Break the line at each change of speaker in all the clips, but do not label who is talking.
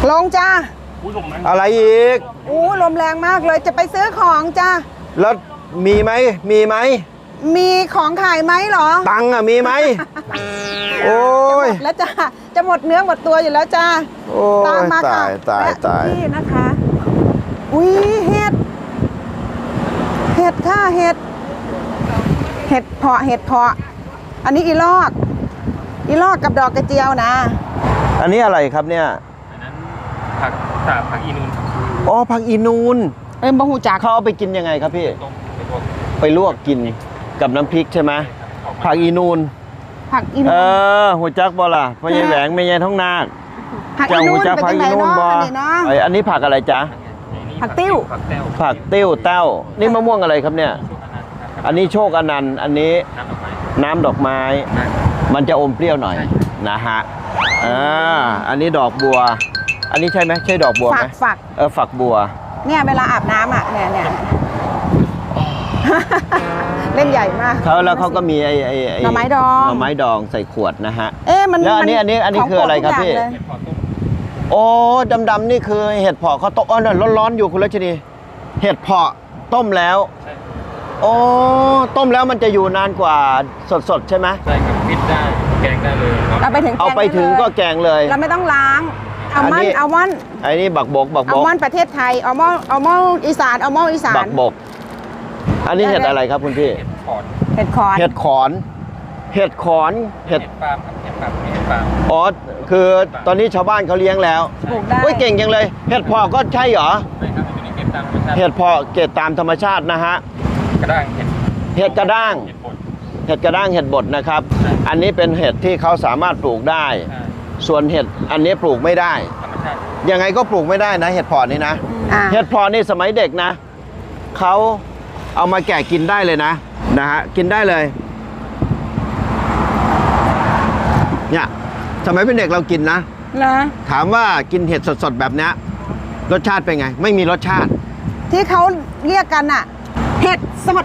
ลงจ้า
อะไรอีก
ลมแรงมากเลยจะไปซื้อของจ้า
แล้วมีไหม
มีของขายไหมเหรอ
ตังค์อะมีไหมโอ้ย
แล้วจ้าจะหมดเนื้อหมดตัวอยู่แล้วจ้า
ตามมาค่ะตาย
นี่นะคะอุ้ยเห็ดค่ะเห็ดเพาะอันนี้อีลอกกับดอกกระเจียวนะ
อันนี้อะไรครับเนี่ย
อันนั้นผักอีนูน
อ๋อผักอีนูน
บะหูจัก
เขาเอาไปกินยังไงครับพี่ไปลวกกินกับน้ำพริกใช่ไหมผักอีนูนหัวจักบ่ล่ะพ่อใหญ่แหวงแม่ใหญ่ท้องนาค
เจ้าหัวจักผักอีนูนบ่
อันนี้ผักอะไรจ๊ะ
ผักติ้ว
เต้านี่มะม่วงอะไรครับเนี่ยอันนี้โชคอนันต์อันนี้น้ำดอกไม้มันจะอมเปรี้ยวหน่อยนะฮะอันนี้ดอกบัวอันนี้ใช่ไหมใช่ดอกบัวไหมฝักบัว
เนี่ยเวลาอาบน้ำอ่ะเนี่ยเล่นใหญ่มาก
แล้วเขาก็มีไอ้
หน่อไม้
ดองใส่ขวดนะฮะ
แล้ว
อันนี้คืออะไรครับพี่โอ้ดำๆนี่คือเห็ดเผาะเขาต้มร้อนๆอยู่คุณรัชนีเห็ดเผาะต้มแล้วโอ้ต้มแล้วมันจะอยู่นานกว่าสดๆใช่ไหม
ใช่ครับฟิตได้แกงได้เลย
เอาไปถึง
ก็แกงเลย
เราไม่ต้องล้างอัลมอนด์
ไอ้นี่บักบก
อัลมอนด์ประเทศไทยอัลมอนด์อีสาน
บักบกอันนี้เห็ดอะไรครับคุณพี่
เห็ดขอน
เห็ดฟาร์มอ๋อคือตอนนี้ชาวบ้านเขาเลี้ยงแล้ว
ปลูกได้
เก่งจังเลยเห็ดเพาะก็ใช่เหรอเห็ดเพาะเก็บตามธรรมชาตินะฮะเห็ดกระด้างเห็ดบดนะครับอันนี้เป็นเห็ดที่เขาสามารถปลูกได้ส่วนเห็ดอันนี้ปลูกไม่ได้ยังไงก็ปลูกไม่ได้นะเห็ดเพาะนี่นะเห็ดเพาะนี่สมัยเด็กนะเขาเอามาแกะกินได้เลยนะฮะกินได้เลยเนี่ยสมัยเป็นเด็กเรากินนะถามว่ากินเห็ดสดๆแบบนี้รสชาติเป็นไงไม่มีรสชาติ
ที่เขาเรียกกันอะเห็ดสด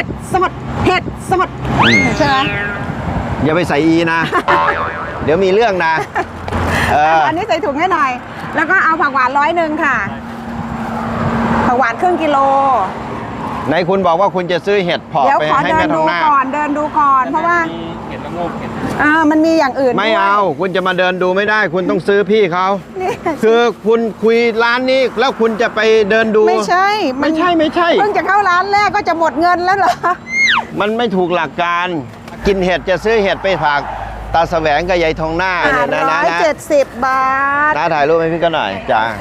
ใช่ไหม
อย่าไปใส่อีนะ เดี๋ยวมีเรื่องนะ
อันนี้ใส่ถุงให้หน่อยแล้วก็เอาผักหวาน100ค่ะผักหวานครึ่งกิโล
ไหนคุณบอกว่าคุณจะซื้อเห็ดเพาะไปให้แม่ทองหน้า
เดินดูก่อนเพราะว่า
เห็ดละโงก
มันมีอย่างอื่น
ไม่เอาคุณจะมาเดินดูไม่ได้คุณต้องซื้อพี่เขาคือคุณคุยร้านนี้แล้วคุณจะไปเดินดู
ไม่ใช่เพิ่งจะเข้าร้านแรกก็จะหมดเงินแล้วเหรอ
มันไม่ถูกหลักการกินเห็ดจะซื้อเห็ดไปฝากตาแสวงกับยายทองหน้าเนี่ยนะ
170 บาท
ถ่ายรูปให้พี่ก็หน่อยจ้า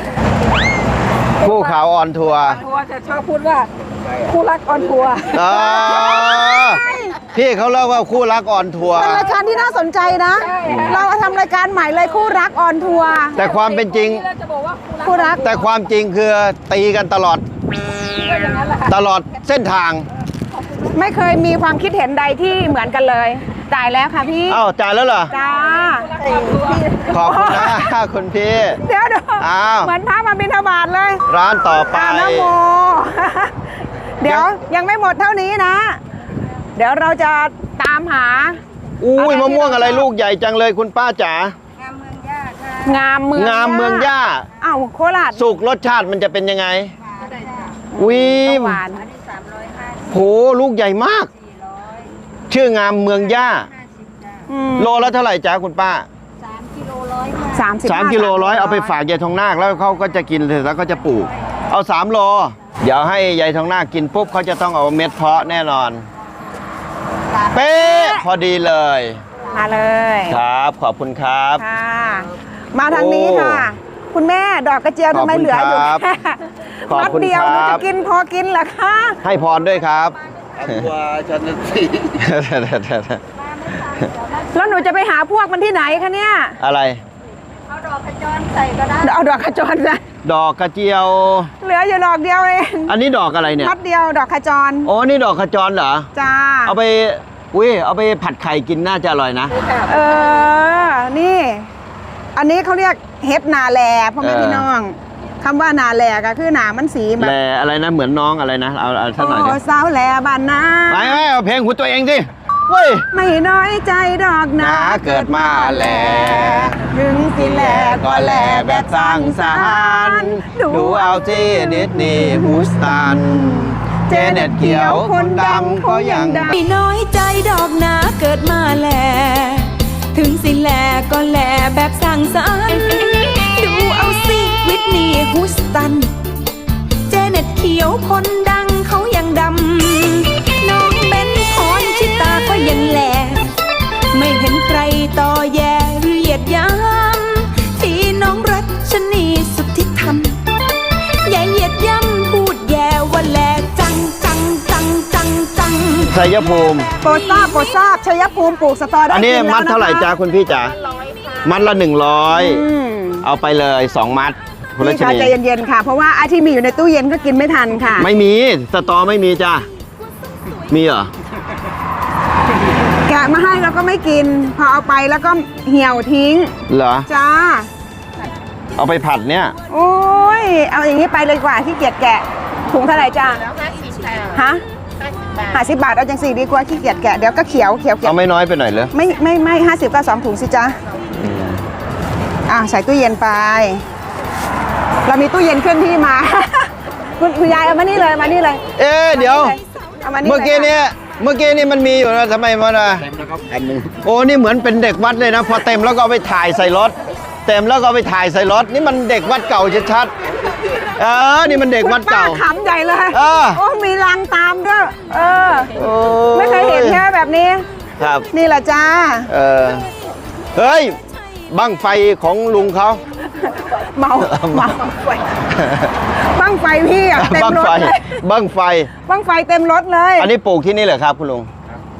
คู่ข่าวออนทัวร์
จะชอบพูดว่าคู่รักออนทัวร์
พี่เขาเล่าว่าคู่รักออนทัวร์
เป็นรายการที่น่าสนใจนะเราทำรายการใหม่เลยคู่รักออนทัวร์
แต่ความเป็นจริง
คู่รัก
แต่ความจริงคือตีกันตลอดเส้นทาง
ไม่เคยมีความคิดเห็นใดที่เหมือนกันเลยจ่ายแล้วค่ะพี่
จ่ายแล้วเหรอ
จ้า
ขอบคุณนะคุณพี่
เดี๋ยวเหมือนพระมาบิณฑบาตเลย
ร้านต่อไป
นะโมเดี๋ยวยังไม่หมดเท่านี้นะเดี๋ยวเราจะตามหา
อุ้ยมะม่วงอะไรลูกใหญ่จังเลยคุณป้าจ๋างามเมืองย่า
โคราช
สุกรสชาติมันจะเป็นยังไง
หวาน
โหลูกใหญ่มากชื่องามเมืองย่าโลละเท่าไหร่จ๊ะคุณป้า
3 กิโล
100เอาไปฝากยายทองนาคแล้วเขาก็จะกินเสร็จแล้วก็จะปลูกเอา3 โลเดี๋ยวให้ยายทองนาคกินปุ๊บเขาจะต้องเอาเม็ดเพาะแน่นอนเป๊ะพอดีเลย
มาเลย
ครับขอบคุณครับ
มาทางนี้ค่ะคุณแม่ดอกกระเจียวทำไมเหลืออยู่แค่มัดเดียวหนูจะกินพอกินเหรอคะ
ให้พรด้วยครับ
ว่าฉันสิ
แล้วหนูจะไปหาพวกมันที่ไหนคะเนี่ย
อะไร
เอาดอกกระจรใส่ก็ได้เอาดอกกระจรใส่
ดอกกระเจียว
เหลืออยู่ดอกเดียวเอง
อันนี้ดอกอะไรเนี่ย
มัดเดียวดอกกระจร
นี่ดอกกระจรเหรอ
จ้า
เอาไปผัดไข่กินน่าจะอร่อยนะ
นี่อันนี้เขาเรียกเห็ดนาแลพ่อแม่พี่น้องคำว่านาแลก็คือหนามันสีแบบ
แลอะไรนะเหมือนน้องอะไรนะเอาสักหน่อย
สาวแลบ้านนา
ไม่เอาเพลงคุณตัวเองสิเว้ย
ไม่น้อยใจดอกนะ
นะเกิดมาแล
ถึงสิแลก็แลแบบสร้างสรรค์
ดูเอาที่ดิสนีย์ฮูสตัน เจเน็ตเขียวคนดำก็ยัง
ไม่น้อยใจดอกนะเกิดมาแล ถึงสิแลก็แลแบบสร้างสรรค์ดูเอาสิวิทนีย์ฮูสตัน เจเน็ตเขียวคนดังเขายังดำ น้องเบนพรชิตาก็ยังแล ไม่เห็นใครต่อแย่หรือเหยียดหยามที่น้องรัชนีสุทธิธรรม อย่าเหยียดย่ำพูดแย่ว่าแลจังจังจังจังจัง
ชัยภูมิ
โปรดทราบชัยภูมิปลูกสตอได้
อันนี้
กิแล้ว
มัดเท่าไหร่
นะคะ
จ้าคุณพี่จ๋ามัดละ
อืม
100 เอาไปเลย2 มัดคุณรั
นี่
ช
ค่ะ
นี
ใจเย็นๆค่ะ เพราะว่าไอ้ที่มีอยู่ในตู้เย็นก็กินไม่ทันค่ะ
ไม่มีสตอไม่มีจ้ามีเหรอ
แกะมาให้แล้วก็ไม่กิน พอเอาไปแล้วก็เหี่ยวทิ้ง
เหรอ
จ้า
เอาไปผัดเนี่ย
โอ้ย เอาอย่างนี้ไปเลยดีกว่าที่เกียจแกะถุงเท่าไหร่จ้าฮะ50 บาทเอาจังสี่ดีกว่าขี้เกียจแกะเดี๋ยวก็เขียว
เอาไม่น้อยไปหน่อยเลย
ไม่50ก็2 ถุงสิจ้าใส่ตู้เย็นไป เรามีตู้เย็นเคลื่อนที่มา คุณยายเอามานี่เลยมานี่เลย
เอ๊ะเดี๋ยว
เอามานี่
เมื่อกี้
ลย
เนี่ยเมื่อกี้นี่มันมีอยู่นะทำไมมันอ่ะโอ้นี่เหมือนเป็นเด็กวัดเลยนะ พอเต็มแล้วก็เอาไปถ่ายใส่รถ เต็มแล้วก็เอาไปถ่ายใส่รถ นี่มันเด็กวัดเก่าชัดๆนี่มันเด็กวัดเก่า
คุณป้ขำใหญ่เลย
เออ
โอ้มีรังตามด้วย
โ
เออ
อ้
ไม่เคยเห็นใช่ไหมแบบนี้
ครับ
นี่แหละจ้า
เฮ้ยบั้งไฟของลุงเขา
เมาบ้างไฟพี่อะเต็ม
บั้ง
รถ
ไฟ
เลย
บั้งไฟ
บ้างไฟเต็มรถเลย
อันนี้ปลูกที่นี่เหรอครับคุณลุง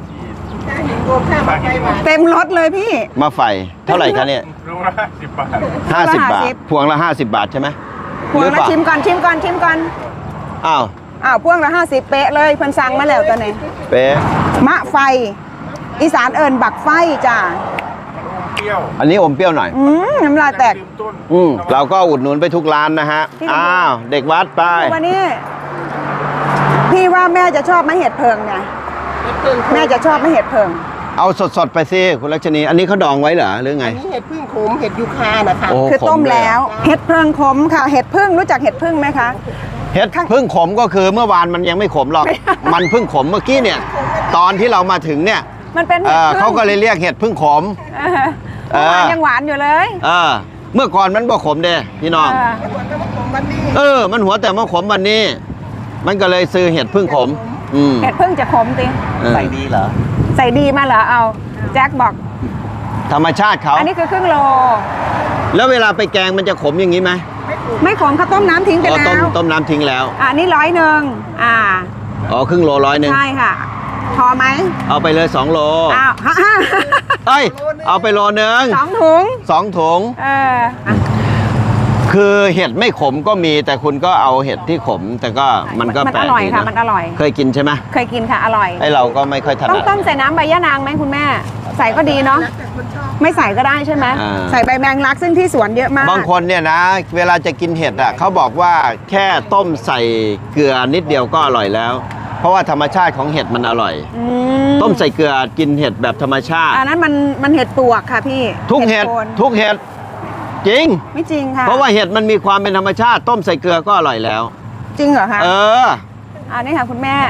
เต็มรถเลยพี่
มาไฟเท่าไหร่คะเนี่ย
รู้ละ10 บาท
50 บาท
50
พวงละ50 บาทใช่ไหม
พวง
หรือ
ละ
เปา
ชิมก่อน
อ้าว
พวงละ50 เป๊ะเลยเพิ่นสั่งมาแล้วตัวนี้
เป๊ะ
มะไฟ อีสานเอิญบักไฟจ้า
เปรี้ยว
อันนี้อมเปรี้ยวหน่อย
น้ำลายแตก
ลืมต้น
เราก็อุดหนุนไปทุกร้านนะฮะ
พี่
อ้าว เด็กวัดไป
วันนี้ พี่ว่าแม่จะชอบมะเห็ดเพิงไงแม่จะชอบมะเห็ดเพิง
เอาสดๆไปสิคุณรัชนี อันนี้เขาดองไว้เหรอหรือไง
นี่เห็ดพึ่งขมเห็ดยูคานะคะ
โอ้
คือต้ม
ขเลย
แล้ว เห็ดเพิงขมค่ะ เห็ดพึ่งรู้จักเห็ดพึ่งไหมคะ
เห็ดพึ่งขมก็คือเมื่อวานมันยังไม่ขมหรอก มันเพึ่งขมเมื่อกี้เนี่ย ตอนที่เรามาถึงเนี่ย
มันเป็นเห็ดพึ่ง
เขาก็เลยเรียกเห็ดพึ่งขม
เมื่อวานยังหวานอยู่เลย
เมื่อก่อนมันบ่ขมเด้พี่น้อง มันหัวแต่มาขมวันนี้ มันก็เลยซื้อเห็ดพึ่งขม
เห็ดพึ่งจะขมติ
ใส่ดีเหรอ
ใส่ดีมาเหรอเอาแจ็คบอก
ธรรมชาติเขา
อันนี้คือครึ่งโล
แล้วเวลาไปแกงมันจะขมอย่างนี้ไหม
ไม่ขมเขาต้มน้ำทิ้งไป
อ๋อ
แล้ว
ต้มน้ำทิ้งแล้ว
นี่100
อ๋อครึ่งโล100
ใช่ค่ะ พอไหม
เอาไปเลย2 โล
อ้าว
เอ้ยเอาไปโลนึง
2 ถุง
2 ถุง
อ่ะ
คือเห็ดไม่ขมก็มีแต่คุณก็เอาเห็ดที่ขม แต่ก็มันก็
มัน
แปล
อก ร่อย
ดี
ค่ะ
นะ
มันอร่อย
เคยกินใช่ไหม
เคยกินค่ะ อร่อย
ไอเราก็ไม่ค่อยถ
ต้
นั
อง
ด
ต้มใส่น้ำใบยะนางไหมคุณแม่ ใส่ก็ดีเนาะ ไม่ใส่ก็ได้ใช่ไหม
อ่า
ใส่ใบแมงลักซึ่งที่สวนเยอะมาก
บางคนเนี่ยนะ เวลาจะกินเห็ดอ่ะเขาบอกว่าแค่ต้มใส่เกลือนิดเดียวก็อร่อยแล้ว เพราะว่าธรรมชาติของเห็ดมันอร่อย
อื
ต้มใส่เกลือกินเห็ดแบบธรรมชาติ
อันนั้นมันเห็ดปวกค่ะพี่
ทุกเห็ด
โคน
ทุกเห็ดจริง
ไม่จริงค่ะ
เพราะว่าเห็ดมันมีความเป็นธรรมชาติ ต้มใส่เกลือก็อร่อยแล้ว
จริงเหรอคะ
อ
นี่ค่ะคุณแม่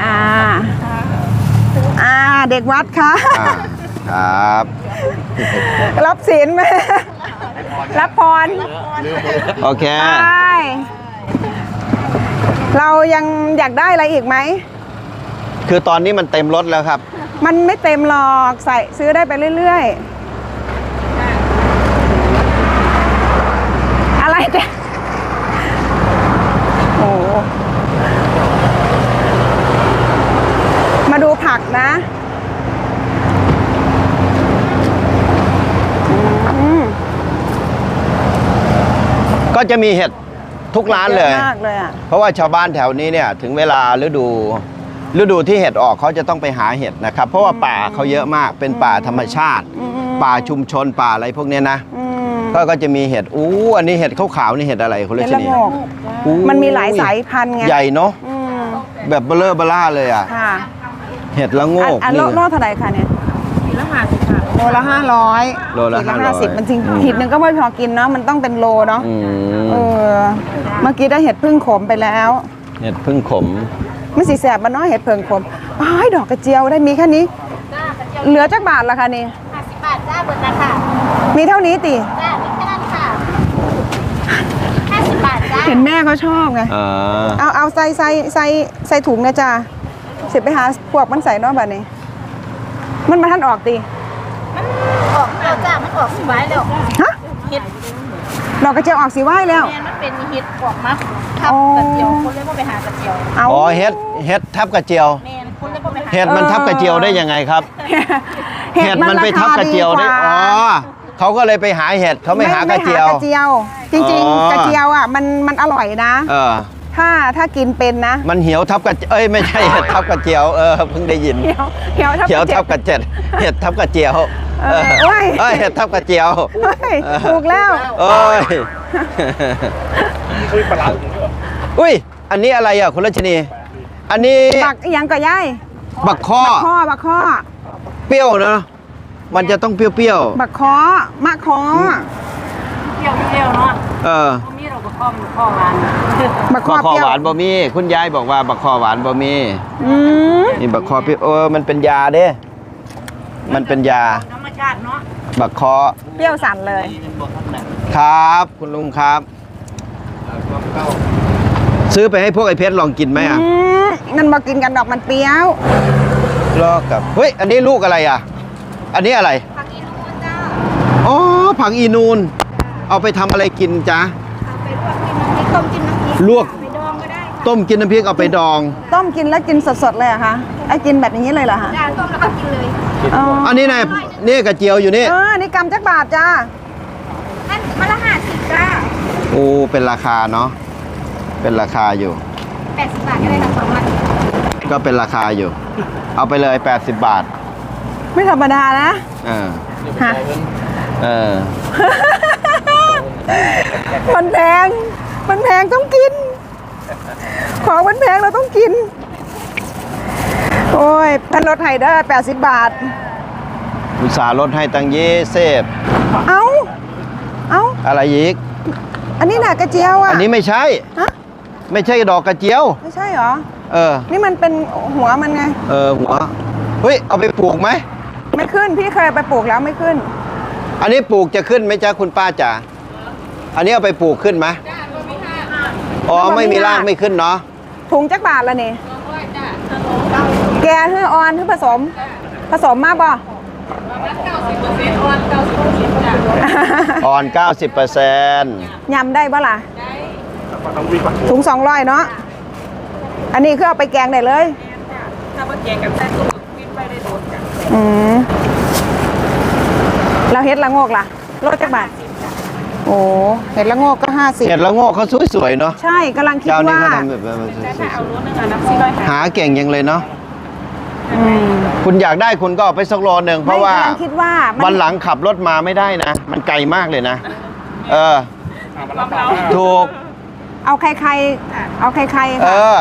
เด็กวัดค่ะ
ครับ
รับศีลไหมรับพร
โอเค
ใช่เรายังอยากได้อะไรอีกไหม
คือตอนนี้มันเต็มรถแล้วครับ
มันไม่เต็มหรอกใส่ซื้อได้ไปเรื่อยๆ อะไรเนี่ยโอ้มาดูผักนะ
ก็จะมีเห็ดทุกร้านเลย
อะมากเลยอ่ะ
เพราะว่าชาวบ้านแถวนี้เนี่ยถึงเวลาฤดูที่เห็ดออกเขาจะต้องไปหาเห็ดนะครับ เพราะว่าป่าเขาเยอะมากเป็นป่าธรรมชาติ ป่าชุมชนป่าอะไรพวกเนี้ยนะ ก็จะมีเห็ดอันนี้เห็ดขาวๆนี่เห็ดอะไรคุณรั
เห็ด
ช
ละ
นี
โงกมันมีหลายสายพันธุ์ไง
ใหญ่เนาะ
อืม
แบบเบลอเบล่าเลยอ่ะ
ค่ะ
เห็ดละโงก
อันโลเท่าไหร่คะเนี่ยโลละ500
โลละ
ขีด
500
50มันจริงขีดหนึ่งก็ไม่พอกินเนาะมันต้องเป็นโลเนาะ
อืม
เออเมื่อกี้ได้เห็ดพึ่งขมไปแล้ว
เห็ดพึ่งขม
ไม่สีแสบมันเนาะเห็ดเพิงขมอ้ายดอกกระเจียวได้มีแค่นี้ เหลือจักบาทละคะนี่
50 บาทจ้าเบิร์นะค่ะ
มีเท่านี้ติ
จ้ามีแค่นั้นค่ะ 50 บาทจ้า
เห็นแม่เขาชอบไง
อ่า
เอาใส่ถุงนะจ้าเสร็จไปหาพวกมันใส่เนอกบัดนี้ มันมาท่านออกติ
ออกแล้วจ้ามันออกสบายแล้ว
ฮะ
เห็ด
ดอกกระเจียวออกสีไหวแล้ว
แมนมันเป็นเห็ดออกมาทับกระเจียวคนเลยว่าไปหากระเจียว
เอา
อ๋อเห็ดทับกระเจียว
แมนคนเลยว่าไปหา
เห็ดมันทับกระเจียวได้ยังไงครับ เห็ดมันไปทับกระเจียวได้
ราคา
อ๋อเขาก็เลยไปหาเห็ดเขาไม่หากระเจียว
ไม่หากระเจียว จริง
อ๋อ
ๆ กระเจียวอ่ะมันอร่อยนะ
เออ
ถ้ากินเป็นนะ
มันเหี่ยวทับกระเอ้ยไม่ใช่เห็ดทับกระเจียวเพิ่งได้ยิน
เหี่ยวทับ
เหี่ยวทับก
กระ
ระเจ็ดเห็ดทับกระเจียว
โอ้ย
เห็ดทับกระเจียว
เฮ้ยถูกแล้ว
โอ้ยอุ้ยอันนี้อะไรอ่ะคุณรัชนี อันนี้
บักอีหยังก็ย่าย
บักข้อ
บักข้อ
เปรี้ยวเนอะมันจะต้องเปรี้ยว
บักข้อมะข้อ
เที่ยวเร็วเนาะ
ๆ
มีเราก็ข้อมข้อหวาน
บักข้อ
บักคอ
เปรี้ยว
หวานบ่มีคุณยายบอกว่าบักคอหวานบ่มี
อืม
นี่บักคอเปรี้ยวมันเป็นยาเด้ มันเป็นยา
ธรรมชาติเนาะ
บักคอ
เปรี้ยวสั่นเลย
ครับคุณลุงครับ ซื้อไปให้พวกไอ้เพชรลองกินไหมอ่ะ
มันบอกกินกันดอกมันเปรี้ยว
ลอกกับเฮ้ยอันนี้ลูกอะไรอ่ะ อันนี้อะไร
ผักอีนูนจ้า
อ๋อผักอีนูนเอาไปทำอะไรกินจ๊ะ
เอาไปลวกกินน้ำพริกต้มกินน้ำพริก
ลวก
ไปดองก็ได้ค่ะ
ต้มกินน้ำพริกเอาไปดอง
ต้มกินแล้วกินสดๆเลยเหรอะคะไอ้กินแบบอย่างนี้เลยเหรอคะ
จ้าต้มแล้วก็กินเลย
อ๋อ
อันนี้ไงนี่กระเจียวอยู่นี่
นี่กำจักบาทจ้า
อันมาละ50จ้า
โอ้เป็นราคาเนาะเป็นราคาอยู่
80 บาทก็ได้ทั้งสองมัน
ก็เป็นราคาอยู่ เอาไปเลย80 บาท
ไม่ธรรมดานะ
เออ
ฮะ
เออ
มันแพงต้องกิน ของมันแพงเราต้องกิน โอ้ยพันรถไฮเดอร์80 บาท
อุตส่าห์ลดให้ตัง20
เอ้า
อะไรอีก
อันนี้น่ะกระเจียวอ่ะ
อันนี้ไม่ใช่
ฮะ
ไม่ใช่ดอกกระเจียว
ไม่ใช่เหรอ
เออ
นี่มันเป็นหัวมันไง
หัว เฮ้ย เอาไปปลูกไหม
ไม่ขึ้น พี่เคยเอาไปปลูกแล้วไม่ขึ้น
อันนี้ปลูกจะขึ้นไหมจ๊ะคุณป้าจ๋า อันนี้เอาไปปลูกขึ้นไหมอ๋อ ไม่มีรากไม่ขึ้นเนาะ
ถุงจักบาทละนี่แกคือออนคือผสมมากป่ะ
อ่อน 90%
ยำได้ป่ะล่ะถุง200เนาะ อันนี้คือเอาไปแกงได้เลย
ถ้าว่าแกงกับแซ่บก็วิ่งไปได้โดนกัน
อืมเราเฮ็ดละโงกล่ะโลจักบาท โอ้เห็ดละโงกก็50
เห็ดละโงกเขาสวยๆเนาะ
ใช่กำลังคิด
เจ้านี้
ว่า
เขาทำแบบสวย
เอารู้นึงอ่ะน้ำซีร้อย
ๆหาเก่งยังเลยเนาะ
อืม
คุณอยากได้คุณก็เอาไปสักโลนึงเพราะว่า
ไม่กำลังคิดว่ามั
วันหลังขับรถมาไม่ได้นะ มันไกลมากเลยนะ ถูก
เอาใครๆเอาใครๆ
เอ
ค่ะ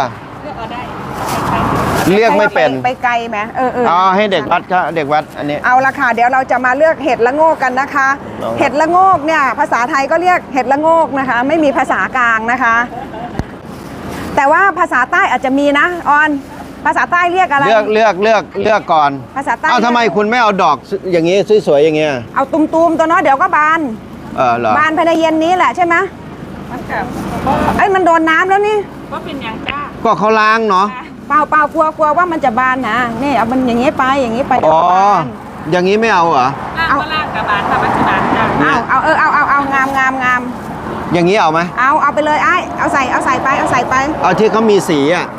เรียกไม่เป็น
ไปไกลไหมเออ
เอาให้เด็กวัดครับเด็กวัดอันนี้
เอาละค่ะเดี๋ยวเราจะมาเลือกเห็ดละโงกกันนะคะ
ลอง
เห็ดละโงกเนี่ยภาษาไทยก็เรียกเห็ดละโงกนะคะ ไม่มีภาษากลางนะคะ แต่ว่าภาษาใต้อาจจะมีนะออนภาษาใต้เรียกอะไร
เลือกก่อน
ภาษาใต้
เอาทำไมคุณไม่เอาดอกอย่างนี้สวยๆอย่างเงี้ย
เอาตุมๆตัวเนาะเดี๋ยวก็บาน
เหรอบ
านภายในเย็นนี้แหละใช่ไหม
มันกับ
ไอ้ยมันโดนน้ำแล้วนี่
ว่าเป็นอย่างจ้า
ก็เขาล้างเนาะ
เปล่ากลัวว่ามันจะบานนะนี่เอามันอย่างงี้ไปเดี๋ยว
อ๋อ
ก็บาน
อย่างนี้ไม่เอาเหรอ
ล่างก็ล่างกับบานค่ะวัชบานจ้า
เอางาม
อย่างนี้เอาไหม
เอาไปเลยไอ้เอาใส่ไป
เอาที่เขามีสีอ่ะ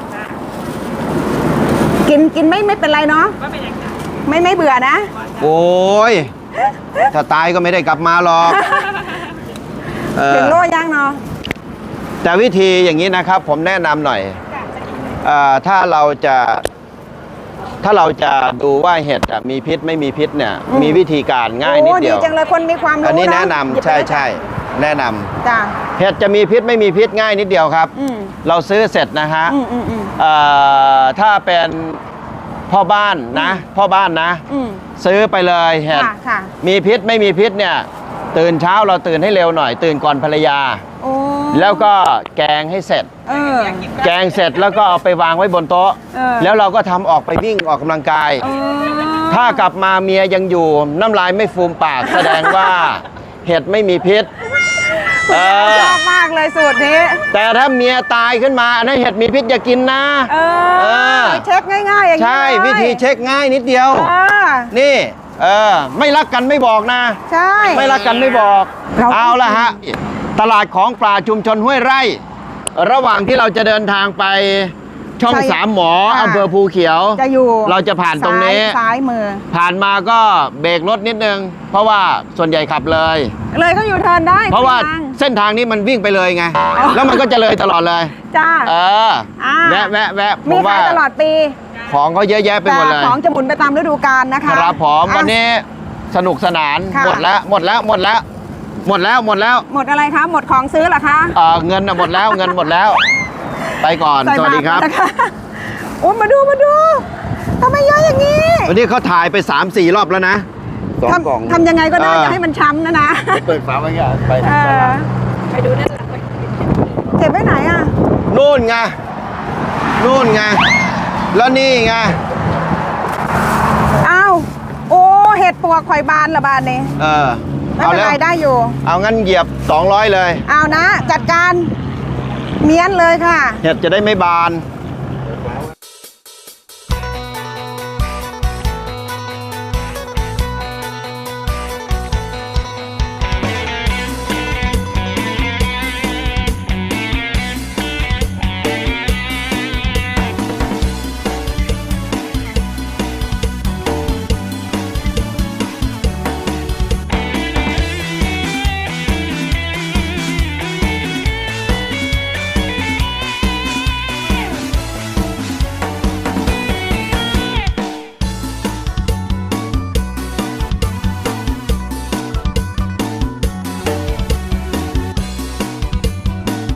กินไม่เป็นไรเนาะ
ว่าเป็นอย่างจ้า
ไม่เบื่อนะ
โอ้ยถ้าตายก็ไม่ได้กลับมาหรอกเออ
ถึงโลย่างเนาะ
แต่วิธีอย่างนี้นะครับ ผมแนะนำหน่อยถ้าเราจะดูว่าเห็ดมีพิษไม่มีพิษเนี่ย มีวิธีการง่ายนิดเดียว
โอ้จังเลยคนมีความรู้
อันนี้
เา
แนะนำ
หยิบไป
ใช่
เลย
แนะนำ
จ้ะ
เห็ดจะมีพิษไม่มีพิษง่ายนิดเดียวครับ
อืม
เราซื้อเสร็จนะฮะ
อืม
ถ้าเป็นพ่อบ้านนะพ่อบ้านนะ
อืม
ซื้อไปเลยเห็ด
ค่ะค่ะ
มีพิษไม่มีพิษเนี่ยตื่นเช้าเราตื่นให้เร็วหน่อย ตื่นก่อนภรรยา
โอ้
แล้วก็แกงให้เสร็จ
เออ
แกงเสร็จแล้วก็เอาไปวางไว้บนโต๊ะ
เออ
แล้วเราก็ทำออกไปวิ่งออกกำลังกาย
เออ
ถ้ากลับมาเมียยังอยู่น้ำลายไม่ฟูมปาก แสดงว่าเห็ดไม่มีพิษ
ชอบมากเลยสูตรนี้
แต่ถ้าเมียตายขึ้นมาอันนั้นเห็ดมีพิษอย่ากินนะ
เอ
เออ
เช็คง่ายๆอย่างนี้
ใช่
เลย
วิธีเช็คง่ายนิดเดียว
เออ
นี่ไม่รักกันไม่บอกนะ
ใช่
ไม่รักกันไม่บอก
เรา
เอาละฮะ ตลาดของปลาชุมชนห้วยไร่ ระหว่างที่เราจะเดินทางไปช่อง
ใช่
สามหมอ
ค่ะ
อำเภอภูเขียว
จะอยู่
เราจะผ่านตรงนี้
ซ้ายมือ
ผ่านมาก็เบรกรถนิดนึง เพราะว่าส่วนใหญ่ขับเลย
เลยก็อยู่เทิร์นได้
เพราะว่า
ทง
เส้นทางนี้มันวิ่งไปเลยไง แล้วมันก็จะเลยตลอดเลย
จ้า
เออ
อ่า
แวะผ
มี
ม
ขา
ว่าย
ตลอดปี
ของเขาเยอะแยะไป
แต่
หมดเลย
ของจะหมุนไปตามฤดูกาลนะคะ
ครับผม
อ่ะ
วันนี้สนุกสนาน
ค่ะ
หมดแล้วหมดแล้ว
หมดอะไรคะหมดของซื้อเหรอคะ
เงินน่ะหมดแล้วเงินหมดแล้ว ไปก่อน
ใส่
สวัสดีครับ
าตรนะคะโอ้มาดูทำไมเยอะอย่างนี้
วันนี้เขาถ่ายไป 3-4 รอบแล้วนะ
ทำยังไงก็ได้
เออ
จะให้มันช้ำนะ
เปิดฝาไว้ก่อนไป
เออ
ไปดูด้านหลังเลย
เก็บไว้ไหนอ่ะ
นู่นไงแล้วนี่ไง
อ้าวโอ้เห็ดปวกข่อยบานละบานนี่ ไม่
เอา
เป็น
แล้ว
ไรได้อยู่
เอางั้นเหยียบ 200 เลย
เอานะ จัดการเมียนเลยค่ะ
เห็ดจะได้ไม่บาน
เ